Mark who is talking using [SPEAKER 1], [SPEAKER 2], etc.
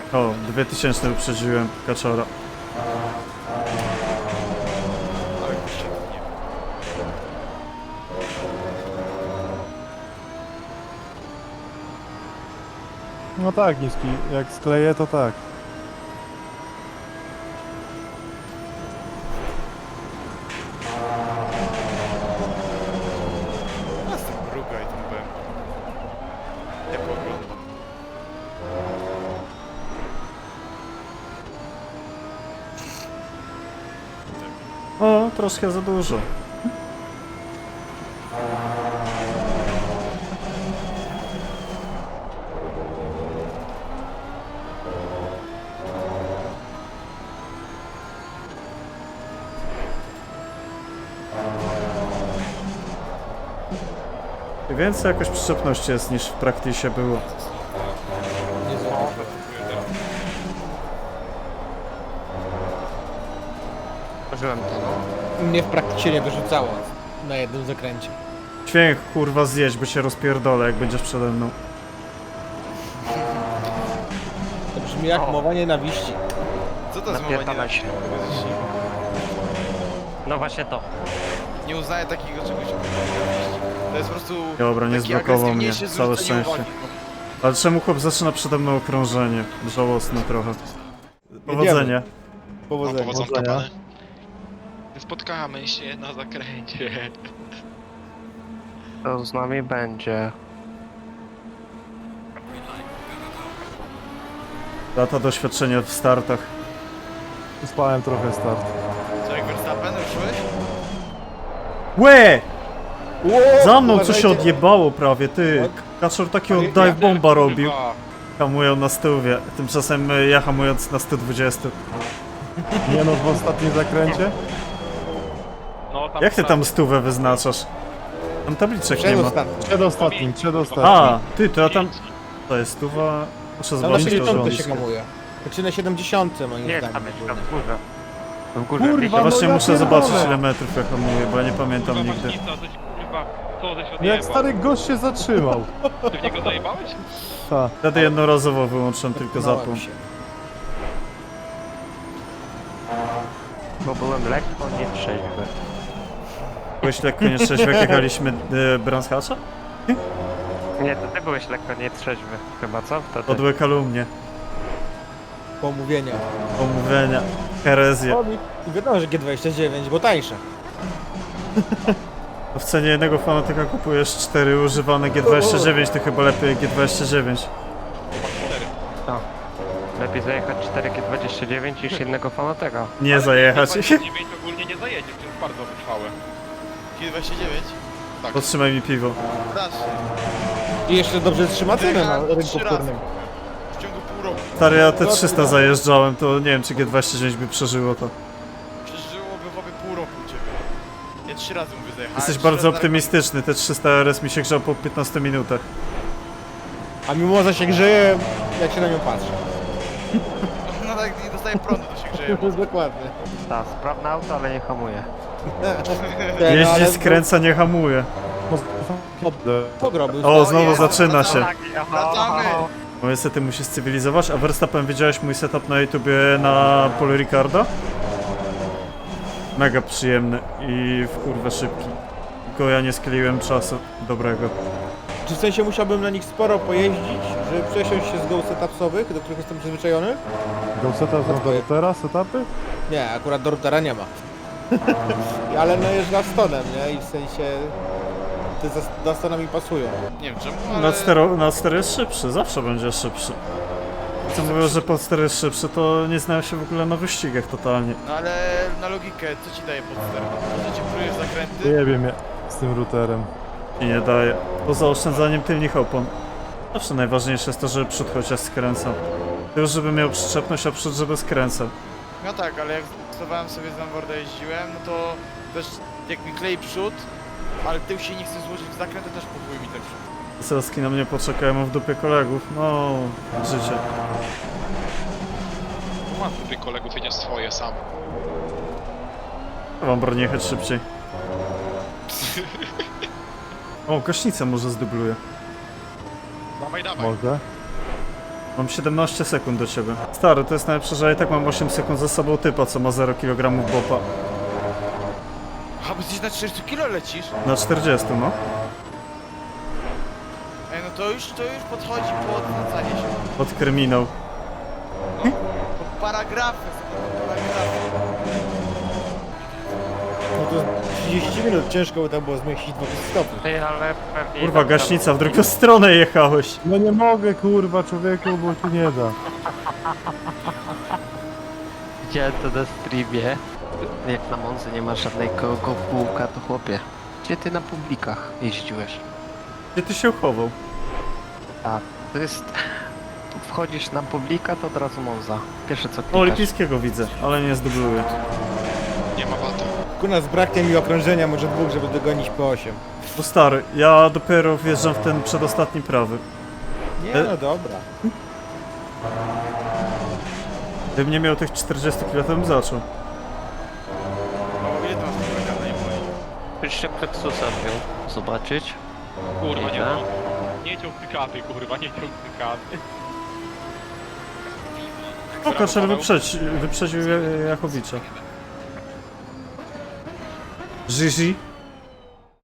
[SPEAKER 1] O, 2000 uprzedziłem kaczora.
[SPEAKER 2] Ale gościa nie.
[SPEAKER 3] No tak, niski. Jak skleję, to tak.
[SPEAKER 2] Nas tam mruga i tam byłem. Ja pooglądam.
[SPEAKER 1] O, troszkę za dużo. Więcej jakoś przyczepności jest niż w praktyce było.
[SPEAKER 4] Nie za
[SPEAKER 5] Użyłem to, no.
[SPEAKER 4] Mnie w praktyce nie wyrzucało na jednym zakręcie.
[SPEAKER 1] Dźwięk kurwa zjeść, bo się rozpierdolę jak będziesz przede mną.
[SPEAKER 4] To brzmi jak mowa nienawiści.
[SPEAKER 2] Co to jest mowa
[SPEAKER 5] Napierdalaj się.
[SPEAKER 2] nienawiści?
[SPEAKER 5] No właśnie to.
[SPEAKER 2] Nie uznaję takiego czegoś jak nienawiść. To jest po prostu
[SPEAKER 1] Dobra, nie
[SPEAKER 2] taki
[SPEAKER 1] zblokował mnie,
[SPEAKER 2] agresywniejsze
[SPEAKER 1] całe
[SPEAKER 2] zwrócenie
[SPEAKER 1] szczęście.
[SPEAKER 2] uwagi.
[SPEAKER 1] Ale czemu chłop zaczyna przede mną okrążenie? Żałosne trochę. Powodzenia.
[SPEAKER 4] Powodzenia.
[SPEAKER 6] Powodzonka, pany. Spotkamy się na zakręcie.
[SPEAKER 5] To z nami będzie.
[SPEAKER 1] Lata doświadczenia w startach.
[SPEAKER 3] Spałem trochę start.
[SPEAKER 2] Co, jak Verstappen ruszyłeś?
[SPEAKER 1] Łe! Za mną co
[SPEAKER 4] uważajcie.
[SPEAKER 1] się odjebało prawie, ty. Kaczor takiego dive bomba robił. Hamują na stówie. Tymczasem ja hamując na 120.
[SPEAKER 3] Nie no, w ostatnim zakręcie?
[SPEAKER 6] No,
[SPEAKER 1] Jak ty tam stówę wyznaczasz? Tam tabliczek nie ma.
[SPEAKER 4] Przedostatni.
[SPEAKER 3] Przedostatnim.
[SPEAKER 1] A, ty, to ja tam... To jest stuwa... Muszę
[SPEAKER 4] Tam na
[SPEAKER 1] zobaczyć to
[SPEAKER 4] 70 się
[SPEAKER 1] rząd.
[SPEAKER 4] hamuje. Znaczy na 70 moim
[SPEAKER 5] Nie,
[SPEAKER 4] zdaniem.
[SPEAKER 5] tam jest tam
[SPEAKER 4] ogólnie.
[SPEAKER 5] w górze. W górze.
[SPEAKER 3] Kurwa,
[SPEAKER 5] wiecie?
[SPEAKER 1] Ja
[SPEAKER 3] no
[SPEAKER 1] właśnie
[SPEAKER 3] ja
[SPEAKER 1] muszę
[SPEAKER 3] pierdolę.
[SPEAKER 1] zobaczyć ile metrów ja hamuję, bo ja nie pamiętam nigdy.
[SPEAKER 3] Jak stary gość się zatrzymał.
[SPEAKER 6] Ty w niego zajebałeś?
[SPEAKER 3] Ta.
[SPEAKER 1] Wtedy jednorazowo wyłączyłem tylko
[SPEAKER 4] Małem
[SPEAKER 1] zapłon.
[SPEAKER 4] się.
[SPEAKER 5] Bo byłem lekko nietrzeźwy.
[SPEAKER 1] Byłeś lekko nieszczęśliwy jak jechaliśmy Branshacza?
[SPEAKER 5] Nie, to ty byłeś lekko nietrzeźwy. Chyba co? Wtedy.
[SPEAKER 1] Podłe kalumnie,
[SPEAKER 4] Pomówienia.
[SPEAKER 1] omówienia, herezje.
[SPEAKER 4] O, i wiadomo, że G29, bo tańsze.
[SPEAKER 1] W cenie jednego fanatyka kupujesz 4 używane G29, to chyba lepiej G29.
[SPEAKER 5] Lepiej zajechać 4G29 niż jednego fanateka.
[SPEAKER 1] Nie zajechać.
[SPEAKER 6] 9 ogólnie nie zajedzie, to jest bardzo wytrwałe.
[SPEAKER 2] G29? Tak.
[SPEAKER 1] Podtrzymaj mi piwo.
[SPEAKER 2] Dasz się.
[SPEAKER 4] I jeszcze dobrze trzyma cenę na rynku
[SPEAKER 2] 3 razy.
[SPEAKER 4] wtórnym.
[SPEAKER 2] W ciągu pół roku.
[SPEAKER 1] Stary, ja te 300 zajeżdżałem, to nie wiem czy G29 by przeżyło to.
[SPEAKER 2] Przeżyłoby w obie pół roku u ciebie. Ja 3 razy mówię zajechałem.
[SPEAKER 1] Jesteś
[SPEAKER 2] 3
[SPEAKER 1] bardzo
[SPEAKER 2] razy na
[SPEAKER 1] optymistyczny, te 300 RS mi się grzał po 15 minutach.
[SPEAKER 4] A mimo że się grzeje, jak się na nią patrzy.
[SPEAKER 2] No tak, nie dostaję prądu, to się grzeje.
[SPEAKER 4] Dokładnie.
[SPEAKER 5] Tak, sprawne auto, ale nie hamuje.
[SPEAKER 1] Jeździ, skręca, nie hamuje.
[SPEAKER 4] Pogrobił.
[SPEAKER 1] O, znowu zaczyna się.
[SPEAKER 2] Wracamy!
[SPEAKER 1] No niestety musisz cywilizować, a Verstappen widziałeś mój setup na YouTubie na Paul Ricarda? Mega przyjemny i w kurwę szybki. Tylko ja nie skleiłem czasu dobrego.
[SPEAKER 4] Czy w sensie musiałbym na nich sporo pojeździć, żeby przesiąść się z go setupsowych, do których jestem przyzwyczajony?
[SPEAKER 3] Goseta są do teraz etapy?
[SPEAKER 4] Nie, akurat do routera nie ma. Ale no jest Gastonem, nie? I w sensie te Gastona mi pasują.
[SPEAKER 2] Nie wiem czemu, ale...
[SPEAKER 1] Na 4 jest szybszy, zawsze będzie szybszy. Co mówią, że pod 4 jest szybszy, to nie znają się w ogóle na wyścigach totalnie.
[SPEAKER 2] No ale na logikę, co ci daje podster? To, że ci prujesz zakręty?
[SPEAKER 3] Nie wiem, z tym routerem.
[SPEAKER 1] I nie daje. Poza oszczędzaniem tylnych opon. Zawsze najważniejsze jest to, żeby przód chociaż skręcał. Tył, żeby miał przyczepność, a przód, żeby skręcał.
[SPEAKER 2] No tak, ale jak stosowałem sobie z Lamborda jeździłem, no to też jak mi klei przód, ale tył się nie chce złożyć w zakręt, to też kupuje mi ten przód.
[SPEAKER 1] Selski na mnie poczekają, mam w dupie kolegów. No, życie.
[SPEAKER 6] Mam tutaj kolegów, jedziesz swoje sam.
[SPEAKER 1] Wam broni jechać szybciej. O, gaśnicę może zdubluje.
[SPEAKER 6] Dawaj, dawaj.
[SPEAKER 3] Może?
[SPEAKER 1] Mam 17 sekund do ciebie. Stary, to jest najlepsze, że ja i tak mam 8 sekund za sobą typa, co ma 0 kg bopa.
[SPEAKER 2] A, bo jesteś na 40 kilo lecisz?
[SPEAKER 1] Na 40, no.
[SPEAKER 2] Ej, no to już podchodzi po odwracanie się.
[SPEAKER 1] Pod kryminał.
[SPEAKER 2] No, po paragrafy, po paragrafy.
[SPEAKER 4] No to 30 minut ciężko by tam było zmieścić 20 stopni.
[SPEAKER 5] Ty, ale pewnie...
[SPEAKER 1] Kurwa, gaśnica, w drugą stronę jechałeś.
[SPEAKER 3] No nie mogę, kurwa, człowieku, bo tu nie da.
[SPEAKER 5] Widziałem to na streamie. Jak na Monzy nie ma żadnego bułka, to chłopie. Gdzie ty na publikach jeździłeś?
[SPEAKER 1] Gdzie ty się uchował?
[SPEAKER 5] A, to jest... Tu wchodzisz na publika, to od razu Monza. Pierwsze co
[SPEAKER 1] No,
[SPEAKER 5] klikasz.
[SPEAKER 1] olimpijskiego widzę, ale nie zdubluję.
[SPEAKER 6] Nie ma bata.
[SPEAKER 4] Ku nas braknie mi okrążenia, może dwóch, żeby dogonić po 8.
[SPEAKER 1] Bo stary, ja dopiero wjeżdżam w ten przedostatni prawy.
[SPEAKER 4] Nie no dobra.
[SPEAKER 1] Gdybym nie miał tych 40 kg, to bym zaczął.
[SPEAKER 2] No, ile to masz powiedziane, nie moje?
[SPEAKER 5] Jeszcze Plexusa wziął. Zobaczyć.
[SPEAKER 3] Kurwa, nie
[SPEAKER 5] Ile?
[SPEAKER 3] no. Nie ciąg cykaty, kurwa, nie ciąg cykaty.
[SPEAKER 1] O, Kaczer wyprzedził Jachowicza. Gigi.